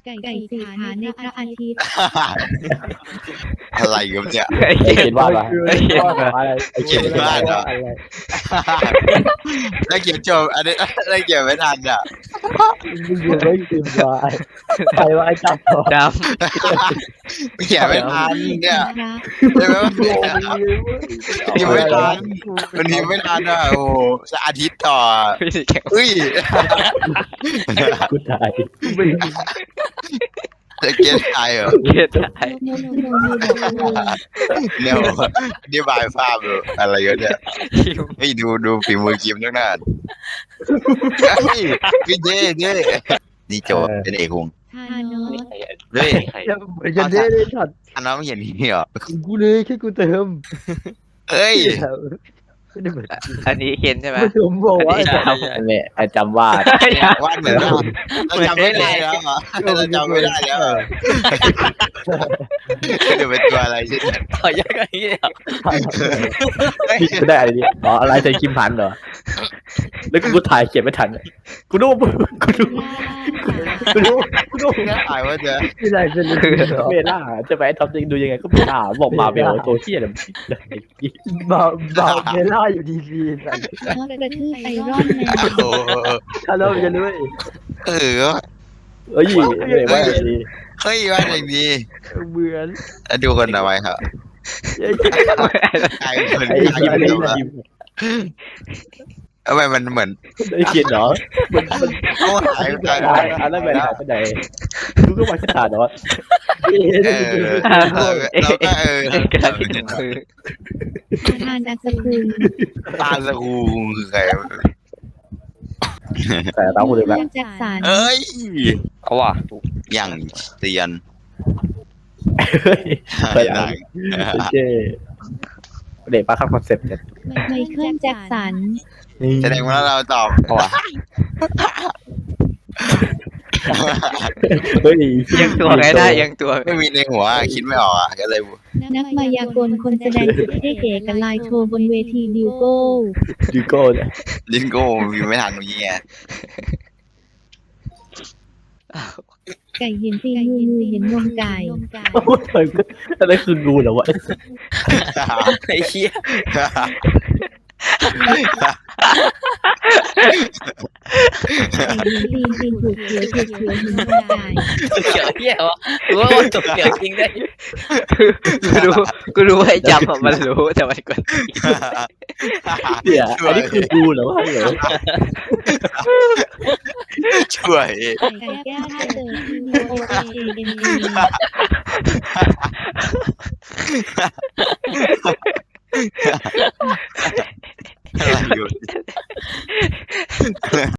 ไก่สี่ขาในพระอาทิตย์อะไรกันเนี่ยไอ้เขียนว่าอะไรไอ้เขียนว่าอะไรไอ้เขียนว่าเหรออะไรแล้วเขียนจบอันนี้แล้วเขียนไม่ทันอ่ะมึงยังไม่พิมพ์ว่าใครว่าไอ้จับต่อดเขียนไม่ทันเนี่ยพระใช่ไหมว่าพิมพ์ไม่ทันมันพิมพ์ไม่ทันอ่ะโอ้สักอาทิตย์ต่อำพี่แข็งอุ้ยกูตายจะเขียนไทยเหรอเขียนได้โนบอกเลยเนี่ยอธิบายภาพดูอะไรกันเนี่ยคิวเฮ้ยดูฝีมือคิมตั้งนานเฮ้ยพี่เจ้นี่โจเป็นเอกวงทานอสเฮ้ยจะได้เลยถัดอันนั้นไม่เห็นนี่เหรอกูเลยแค่กูเติมเฮ้ยไม่ได้เหมือนอันนี้เขียนใช่ไหมผมบอกว่าอันนี้เนี่ยไอ้จำว่าวาดเหมือนกันเราจำไม่ได้แล้วเหรอเราจำไม่ได้แล้วเหรอเดี๋ยวเป็นตัวอะไรใช่ไหมขอยากอันนี้เหรอพี่กูได้อะไรเนี่ยอ๋ออะไรใส่คิมพันเหรอแล้วกูถ่ายเก็บไม่ทันกูดูกูดูเนี่ยถ่ายว่าจะไม่ได้เป็นเมล่าจะไปทำจริงดูยังไงก็เมล่าบอกมาเบลตัวเที่ยอะไรบาเมล่าอยู่ดีพีสันมอสกระทืบไอรอนแมนโอ้ถ้าเราจะรู้เออเอ้ยเรียกว่าดีเฮ้ยว่าอย่างนี้เหมือนดูคนเอาไว้ครับไอ้ใครคนคิมใครไอ้คนคิมทำไมมันเหมือนไอ้เขียนเหรอมันเขาหายไปอันนั้นเป็นหายไปไหนกูก็มาขาดเหรอเราก็กระดาษที่หนึ่งคือทานอัศกุลตาสกูคือใครแต่เราคนเดียวแบบแจ็คสันเอ้ยเอาว่ะอย่างเซียนไปไหนเจ๊เด็กป้าเข้าคอนเซ็ปต์เนี่ยไมเคิลแจ็คสันแสดงว่าเราตอบเอาว่ะเฮ้ยยังตัวไงได้ยังตัวไม่มีในหัวคิดไม่ออกอ่ะก็เลยนักมายากลคนแสดงสุดเท่ๆกับลายโชว์บนเวทีดิวโก้ยูโก้เนี่ยลินโก้มีไม่ทันเมื่อกี้ไงไก่เห็นตีนงูเห็นนมไก่อะไรคืองูเหรอวะไอ้เหี้ยไก่เห็นตีนถูกเขียวเห็นนมไก่เขียวเหี้ยวะกูว่ามันตกเขียวจริงได้กูรู้ว่าไอ้จำอะมันรู้แต่มันกดเนี่ยอันนี้คืองูเหรอวะเหรอช่วยไก่แก้วถ้าเจอที่มีโอเอเอ็นเออะไรอยู่